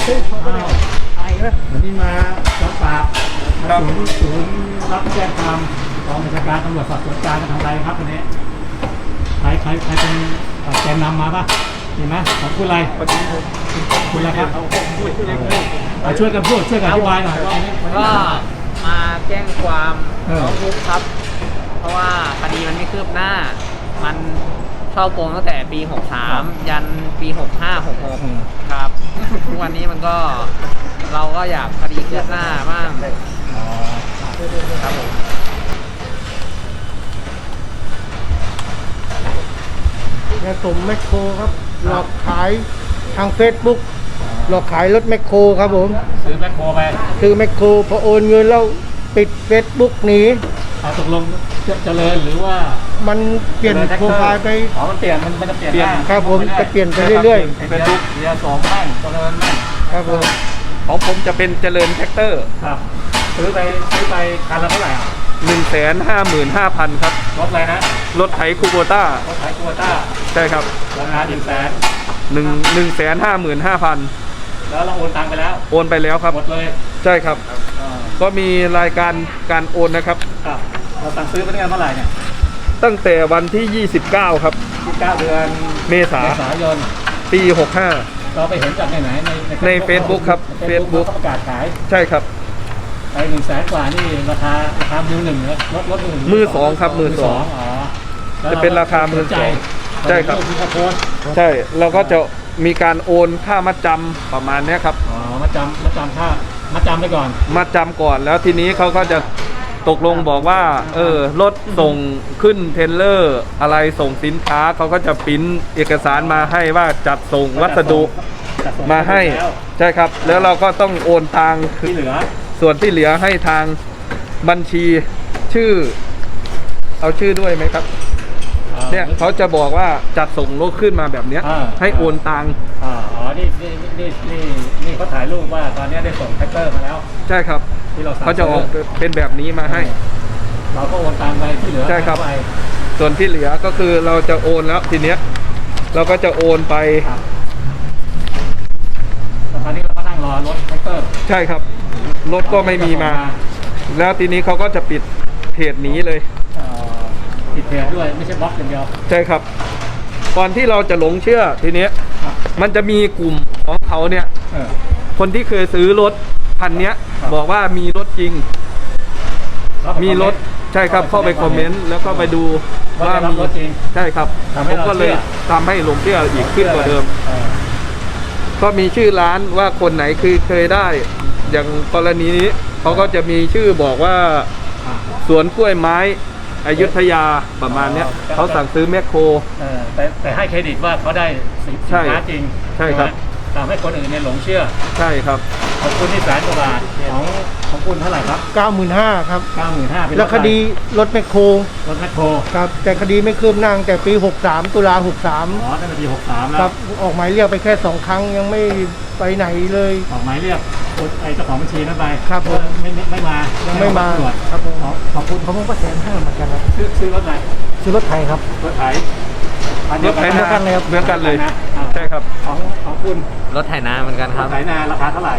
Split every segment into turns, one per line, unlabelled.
วันนี้มาจับปราบศูนย์รับแจ้งความกองบัญชาการตำรวจสอบสวนกลางกันทางใดครับวันนี้ใครเป็นแกนนำมาป่ะเห็นไหมของคุณอะไรคุณอะไรครับช่วยกันพูดช่วยกันอธิบายหน่อย
ก็มาแจ้งความร้องทุกข์ครับเพราะว่าคดีมันไม่คืบหน้ามันช่อโกงตั้งแต่ปี63ยันปี65 66ครับทุกวันนี้มันก็เราก็อยากคดีคืบหน้าบ้างครับผม
เนี่ยผมแมคโครครับหลอกขายทาง Facebook หลอกขายรถแมคโครครับผม
ซื้อแมคโครไป
ซื้อแมคโครพอโอนเงินแล้วปิด Facebook หนี
ตกลงเจริญหรือว่า
มันเปลี่ยนโปรไฟล์ไป
มันเปลี่ยนมันจะเปลี่ยน
ครับผมจะเปลี่ยนไปเรื่อยๆ
Facebook เรียสองบ้างเจริญบ้าง
ครับผม
ของผมจะเป็นเจริญแท็กเตอร์
ครับซื้อไปคันละเท่าไหร่
155,000 ครับ
รถอะไรนะ
รถไถคูโบต้าร
ถไถคูโบต้า
ใช่ครับ
ราคา
155,000
แล้วเราโอนตังไปแล้ว
โอนไปแล้วครับ
หมดเลย
ใช่ครับก็มีรายการโอนนะครับ
ครับเราสั่งซื้อไปเท่าไหร่เนี่ย
ตั้งแต่วันที่29ครับ
29เดือน
เมษายนปี65
เราไปเห็นจากไหน
ใน Facebook ครับ Facebook
ประกาศขาย
ใช่ครับ
ไป100,000 กว่านี่ราคามือหนึ่งรถ
มือสองครับมือสองจะเป็นราคามือสองใช่ครับใช่เราก็จะมีการโอนค่ามัดจำประมาณนี้ครับ
มัดจำค่ามัดจำไปก่อน
มัดจำก่อนแล้วทีนี้เขาก็จะตกลงบอกว่ารถส่งขึ้นเทรลเลอร์อะไรส่งสินค้าเขาก็จะปริ้นเอกสารมาให้ว่าจัดส่งวัสดุมาให้ใช่ครับแล้วเราก็ต้องโอนทาง
ที่เหลือ
ส่วนที่เหลือให้ทางบัญชีชื่อเอาชื่อด้วยไหมครับเนี่ยเขาจะบอกว่าจัดส่งรถขึ้นมาแบบนี้ให้โอนตัง
นี่เขาถ่ายรูปว่าตอนนี้ได้ส่งแท็กเตอร์มาแล้ว
ใช่ครับเขาจะออกเป็นแบบนี้มาให้
เราก็โอนตังไปที่เหลือ
ใช่ครับส่วนที่เหลือก็คือเราจะโอนแล้วทีเนี้ยเราก็จะโอนไป
ตอนนี้เราก็นั่งรอรถแท็กเตอร์
ใช่ครับรถก็ไม่มีมาแล้วทีนี้เขาก็จะปิดเพจนี้เลย
ปิดเพจด้วยไม่ใช่บล็อกอย่างเดียว
ใช่ครับก่อนที่เราจะหลงเชื่อทีนี้มันจะมีกลุ่มของเขาเนี่ยคนที่เคยซื้อรถคันนี้บอกว่ามีรถจริงมีรถใช่ครับเข้าไปคอมเมนต์แล้วก็ไปดูว่ามีรถจริงใช่ครับผมก็เลยทำให้หลงเชื่ออีกขึ้นกว่าเดิมก็มีชื่อร้านว่าคนไหนคือเคยได้อย่างกรณีนี้เขาก็จะมีชื่อบอกว่าสวนกล้วยไม้อยุธยาประมาณเนี้ยเขาสั่งซื้อแมคโคร
แต่ให้เครดิตว่าเขาได้สินค้าจริง
ใช่ครับ
ทำให้คนอื่นเนี่ยหลงเชื่อ
ใช่ครับ
ของคุณที่100,000 กว่าบาทของคุณเท่าไหร่ครับ
95,000ครับ
95,000
แล้วคดีรถแมคโครครับแต่คดีไม่คืบหน้าแต่ปี63ตุลา63
ตั้งแต่ปี63แล้ว
ครับออกหมายเรียกไปแค่2 ครั้งยังไม่ไปไหนเลย
ออกหมายเรียกไอ้เจ้าของบัญชีนั่นไป
ครับผม
ไม่มา
ยังไม่มาครับผม
ขอบคุณผมก็150,000เหมือนกันครับซื้อรถอะไร
ซื้อรถไทยครับ
รถไถ
รถไถนาเหมือนกันเลยใช่ครับ
ของคุณ
รถไถนาเหมือนกันครับ
ไถนาราคาเท่าไหร่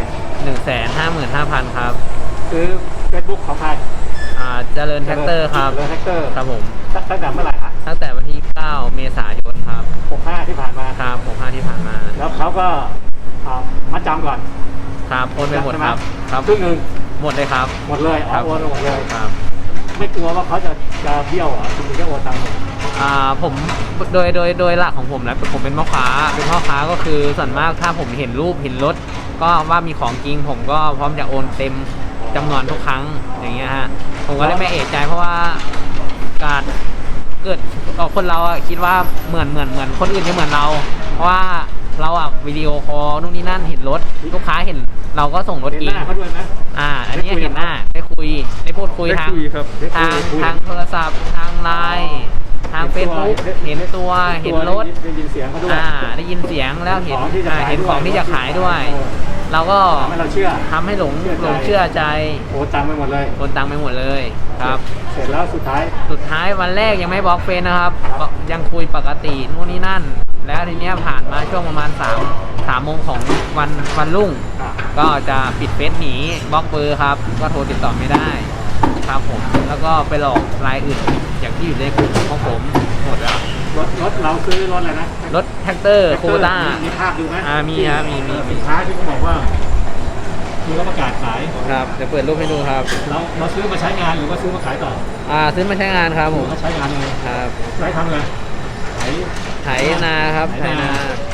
155,000 ครับ
ซื้อ Facebook ของใคร
เจริญแท็กเตอร์ครับครับผม
ตั้งแต่เมื่อไหร่ครับ
ตั้งแต่วันที่9 เมษายนครับ
65ที่ผ่านมา
ครับ65ที่ผ่านมา
แล้วเขาก็มัดจำก่อน
ครับโอนไปหมดครับ
ครึ่งนึง
หมดเลยครับ
หมดเลยโอนหมดเลย
ครับ
ไม่กลัวว่าเขาจะเบี้ยวคุณจะโอนตังค์
ผมโดยหลักของผมนะผมเป็นพ่อค้าก็คือส่วนมากถ้าผมเห็นรูปเห็นรถก็ว่ามีของจริงผมก็พร้อมจะโอนเต็มจำนวนทุกครั้งอย่างเงี้ยฮะผมก็เลยไม่เอะใจเพราะว่าการเกิดคนเราคิดว่าเหมือนคนอื่นไม่เหมือนเราเพราะว่าเราวิดีโอคอลนู่นนี่นั่นเห็นรถลูกค้าเห็นเราก็ส่งรถจริงอันนี้เห็นหน้าได้คุยได้พูดคุยทางโทรศัพท์ทางไลน์ทาง Facebook เห็นตัวเห็นรถ
ได้ยินเสียงเขาด้วย
ได้ยินเสียงแล้วเห็นของที่จะขายด้วยเราก็ทำให้หลงเชื่อใจ
โอนตังไปหมด
เลยครับ
เสร็จแล้วสุดท้าย
วันแรกยังไม่บล็อกเฟซนะครับยังคุยปกตินู่นนี่นั่นแล้วทีเนี้ยผ่านมาช่วงประมาณ3โมงของวันรุ่ง ก็จะปิดเฟซหนีบล็อกเบอร์ครับ ก็โทรติดต่อไม่ได้ครับผม แล้วก็ไปหลอกรายอื่นอย่างที่อยู่ในกลุ่มของผมหมดแล้ว
รถเราซื้อรถอะไรนะ
รถแท็กเตอร์โคต้า
มีภาพดูไหม
มีครับมี
สินค้าที่เขาบอกว่ามีเขาประกาศขาย
ครับเดี๋ยวเปิดรูปให้ดูครับ
เราซื้อมาใช้งานหรือว่าซื้อมาขายต่อ
ซื้อมาใช้งานครับผม
มาใช้งานเลย
ครับ
ไว้ทำเลยขาย
ไถนาครับไถ
ไถนา
นา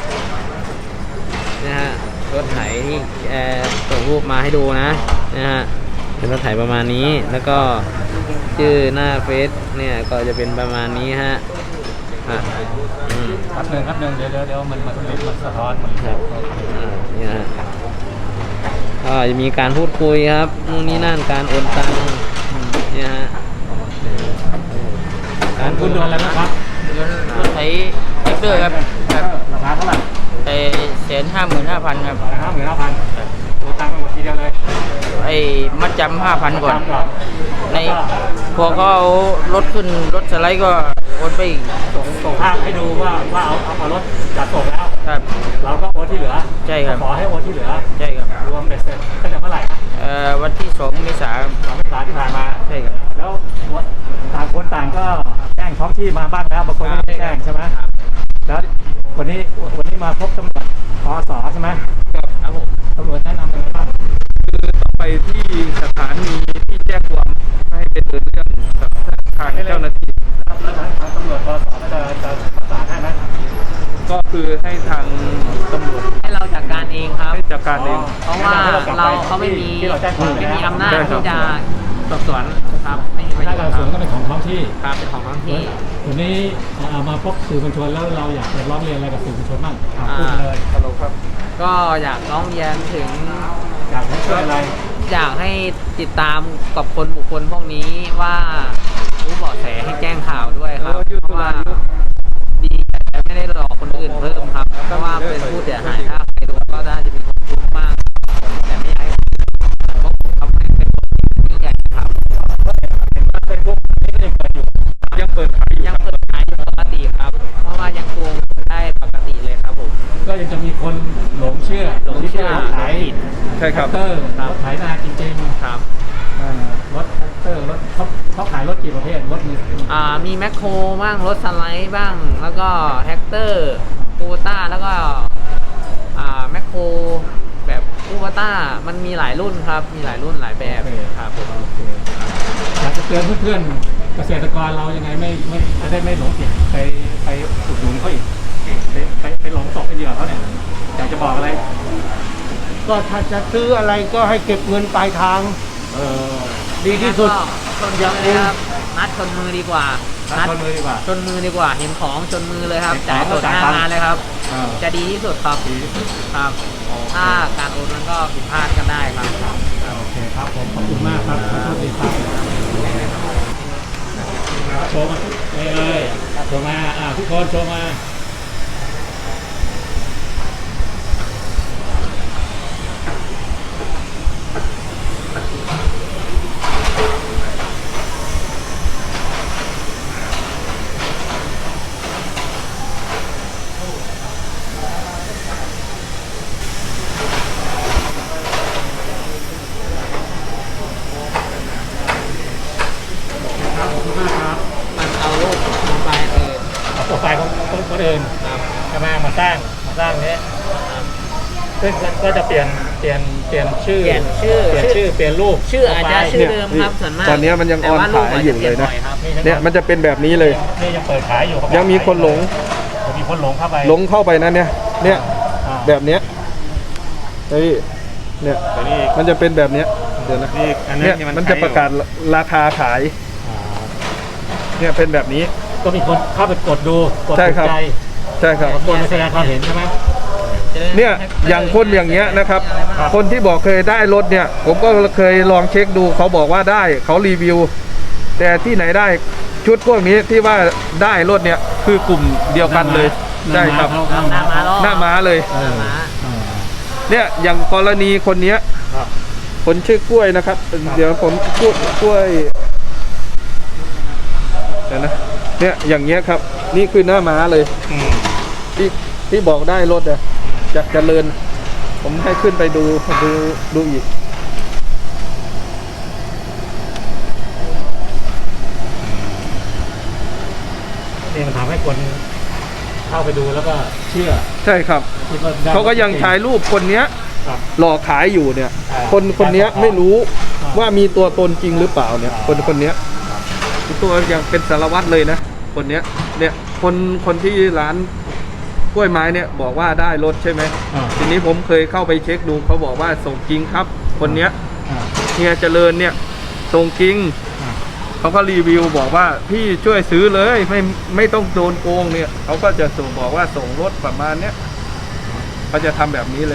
นะฮะรถไถที่ส่งรูปมาให้ดูนะฮะเป็นรถไถประมาณนี้ แล้วก็ชื่อหน้าเฟซเนี่ยก็จะเป็นประมาณนี้ฮะอืม
ครับหนึ่งเดี๋ยวมันสะท้อนมัน
ครับนี่ฮะก็จะมีการพูดคุยครับนู่นนี่นั่นการโอนตังค์เนี่ยฮะ
การคุณโดนอะไรบ้างครับ
รถไถแท็กเตอร์ครับ
ราคาเท่าไหร่
155,000 ครับ
55,000โอนตังค์ไปหมดทีเดียวเลย
ไอ้มัดจำ5,000 ก่อน
จำก่อน
ในพอเขาเอารถขึ้นรถสไลด์ก็โอนไปอีก
ส่งภาพให้ดูว่าเอารถจัดส่งแล้ว
ครับ
เราก็โอนที่เหลือ
ใช่ครับ
ขอให้โอนที่เหลือ
ใช่ครับ
รวมเบ็ดเสร็จตั้งแต่เมื่อไหร่ครับ
วันที่2 เมษายน
2 เมษายนที่ผ่านมา
ใช่ครับ
แล้วต่างคนต่างก็แจ้งท้องที่มาบ้างแล้วบางคนไม่ได้แจ้งใช่ไหมแล้ววันนี้มาพบตำรวจปสใช่ไหม
ครับผม
ตำรวจแนะนำยังไงบ้าง
คือต้องไปที่สถานีที่แจ้งความให้ไปเดินเรื่องกับทางเจ้าหน้าที่
แล้วทางตำรวจปสจะประสานให้ไหม
ก็คือให้ทางตำรวจ
ให้เราจัดการเองครับ
ให้จัดการเอง
เพราะว่าเขาไม่มี
ที่เราแจ้งความ
ไม่มีอำนาจ
ใช่ครับ
ที่จะสอบสวนครับไม่มีประ
ห
โย
น้า
ช
การ
น์
สวนก็เป็นของท้องที่
ครับเป็นของท้องที่
วันนี้มาพบสื่อมวลชนแล้วเราอยากจะร้องเรียนอะไรกับสื่อมวลชนบ้างพูดเลย
ฮัลโหลครับ
ก็อยากร้องเรียนถึง
อยากให้ช่วยอะไร
อยากให้ติดตามกับคนบุคคลพวกนี้ว่ารู้เบาะแสให้แจ้งข่าวด้วยครับเพราะว่าดีแต่ไม่ได้หลอกคนอื่นเพิ่มครับเพราะว่าเป็นผู้เสียหายถ้าใครโดนก็น่าจะมีความทุกข์มาก แต่ไม่อยากให้เพราะผมทำให้เป็นที่ใหญ่ครับ
เฟซบุ๊กนี่ก็ยังเปิดอยู่
ยังเปิดขายอยู่
ยังเปิดขายอยู่ปกติครับ เพราะว่ายังโกงได้ปกติเลยครับผม
ก็ยังจะมีคนหลงเชื่อ
หลงเชื่อ
รถไถ
ใช่ครับ
แท็กเตอร์รถไถนาจริงๆ
ครับ
รถแท็กเตอร์รถเขาขายรถกี่ประเภทรถมือ
มีแมคโครบ้างรถสไลด์บ้าง แล้วก็แท็กเตอร์โคต้าแล้วก็แมคโครแบบคูปต้ามันมีหลายรุ่นครับ มีหลายรุ่นหลายแบบครับผม
อยากจะเตือนเพื่อนๆเกษตรกรเรายังไงไม่จะได้ไม่หลงผิดไปอุดหนุนเขาอีกไปหลงตกเป็นเหยื่อเขาเนี่ยอยากจะบอกอะไร
ก็ถ้าจะซื้ออะไรก็ให้เก็บเงินปลายทาง ดีที่สุด
ชนมือเลยครับนัดชนมือดีกว่า
นัดชนมือดีกว่า
ชนมือดีกว่า เห็นของชนมือเลยครับ
เห็นของ
จ่ายสด
จ่าย
หน้า
ตังค์
งานเลยครับ
อ่า
จะดีที่สุดครับครับ ถ้าการโอนมันก็ผิดพลาดกันได้ครับ
โอเคครับผมขอบคุณมากครับขอโทษดีครับโชว์มาเลยโชว์มาทุกคนโชว์มาขอบคุณมากครับ
มันเอารูปลงไป
เอาโปรไฟล์ของคนอื่น
ครับ
ใช่ไหมมาสร้างนี้ซึ่งก็จะเปลี่ยนชื่อ
เปลี่ยนชื่อ
เปลี่ยนรูป
ชื่ออาจจะชื่อเดิมครับส่วนมาก
ตอนนี้มันยังออน
แต่ว่รูป
ขายอยู่เลยนะ
าจจปบ่ครับ
เนี่ยมันจะเป็นแบบนี้เลย
นี่ยังเปิดขายอยู่
ยังมีคนหลง
ยังมีคนหลงเข้าไป
หลงเข้าไปนะเนี่ย
อ่า
แบบเนี้ยเฮ้ยเนี่ย
เดี๋ยวนี้
มันจะเป็นแบบเนี้ยเดี๋ยวนะ
นี่อันนี้
เนี่ย
ที่
มันจะประกาศราคาขาย
อ่า
เนี่ยเป็นแบบนี้
ก็มีคนเข้าไปกดดูกด
ใช่
ถูก
ครับ
ใจ
ใช่ครับ
กดมาแสดงความเห็นใช่ไหม
เนี่ยอย่างคนอย่างเงี้ยนะครับ
ครับ
คนที่บอกเคยได้รถเนี่ย ผมก็เคยลองเช็คดูเขาบอกว่าได้เขารีวิว แต่ที่ไหนได้ชุดพวกนี้ที่ว่าได้รถเนี่ยคือกลุ่มเดียวกันเลยใช่ครับ
หน้าม้าล้อ
หน้าม้าเลย
เออ
หน้าม้า
เนี่ยอย่างกรณีคนเนี้ย
ครับ
คนชื่อกล้วยนะครับ เดี๋ยวผมกล้วยเดี๋ยวนะเนี่ยอย่างเงี้ยครับ นี่คือหน้าม้าเลย
อืม
อีกที่บอกได้รถอะจากเจริญ ผมให้ขึ้นไปดูอีก
นี่มันทำให้คนเข้าไปดูแล้วก็เชื่อ
ใช่ครับ
คิดว่าได้
เขาก็ยังใช้รูปคนเนี้ย
ครับ
หลอกขายอยู่เนี่ย
อ่า
คนเนี้ยไม่รู้
อ่า
ว่ามีตัวตนจริงหรือเปล่าเนี่ย
อ่า
คนเนี้ยตัวยังเป็นสารวัตรเลยนะคนเนี้ยเนี่ยคนที่ร้านกล้วยไม้เนี่ยบอกว่าได้รถใช่ไหม
อ่า
ทีนี้ผมเคยเข้าไปเช็คดูเขาบอกว่าส่งจริงครับ คนเนี้ย
อ่า
เฮียเจริญเนี่ยส่งจริง
อ่า
เขาก็รีวิวบอกว่าพี่ช่วยซื้อเลยไม่ต้องโดนโกงเนี่ยเขาก็จะส่งบอกว่าส่งรถประมาณเนี้ยเขาจะทำแบบนี้เลย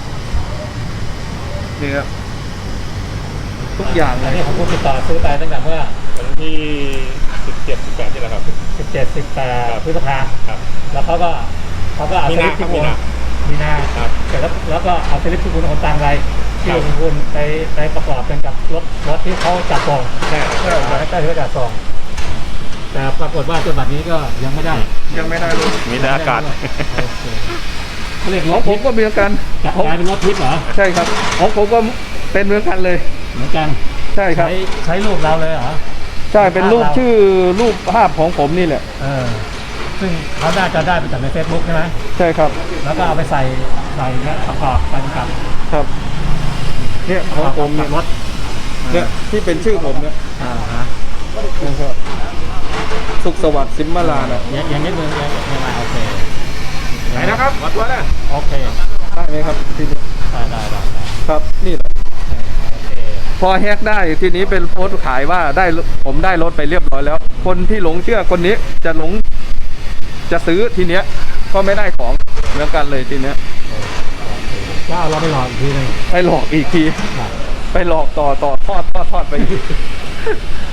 นี่ครับทุกอย่างเล
อัน
ย
นี้ผมติดต่อซื้อไปตั้งแต่เมื่อ
วันที่17-18นี่แหละครับ
17-18 พฤษภา
ครับ
แล้วเขาก็เอา
มี
ส
นา
ลิป
ครั
ที่
บ
คุณ
มีนา
มีนา
ครับ
เสร็จแล้วก็เอาสลิปที่คุณโอนตังไปที่
ครับ
คุณไปประกอบกันกับรถที่เขาจัดส่ง
ใช่ใช่ครับ
ใต้ที่เขาจัดส่งแต่ปรากฏว่าจนบัดนี้ก็ยังไม่ได้
ยังไม่ได้รถ
มีแต่อากาศ
โอเคเขาเรียก
ข
ร
อง
ถ
ผ
ทิ
ม
พย์
ก็เหมือนกัน
กลายเป็นรถทิพย์เหรอ
ใช่ครับของผมก็เป็นเหมือนกันเลย
เหมือนกัน
ใช่ครับ
ใช้รูปเราเลยเหรอ
ใช่เป็นรูปชื่อรูปภาพของผมนี่แหละ
ซึ่งเขาน่าจะได้ไปจากใน Facebook ใช่ไหม
ใช่ครับ
แล้วก็เอาไปใส่และประกอบกันกับ
ครับ เนี่ยของผม
กั
เนี่ย
บรถ
เนี่ยที่เป็นชื่อผมเนี่ย
ฮะ
นะครับสุขสวัสดิ์สิมมาลาน่ะ
อย่างนิดนึงยังไงโอเค
ไหนนะครับวัดตัวนะ
โอเค
ได้ไหมครับทีนี้
ได้
ครับนี่แหละ
โอเค
พอแฮกได้ทีนี้เป็นโพสต์ขายว่าได้ผมได้รถไปเรียบร้อยแล้ว คนที่หลงเชื่อคนนี้จะซื้อทีเนี้ยก็ไม่ได้ของเหมือนกันเลยทีเนี้ย
ก็เอาเราไปหลอกอีกทีหนึง
ไปหลอกอีกที ไปหลอกต่อทอดไปอีก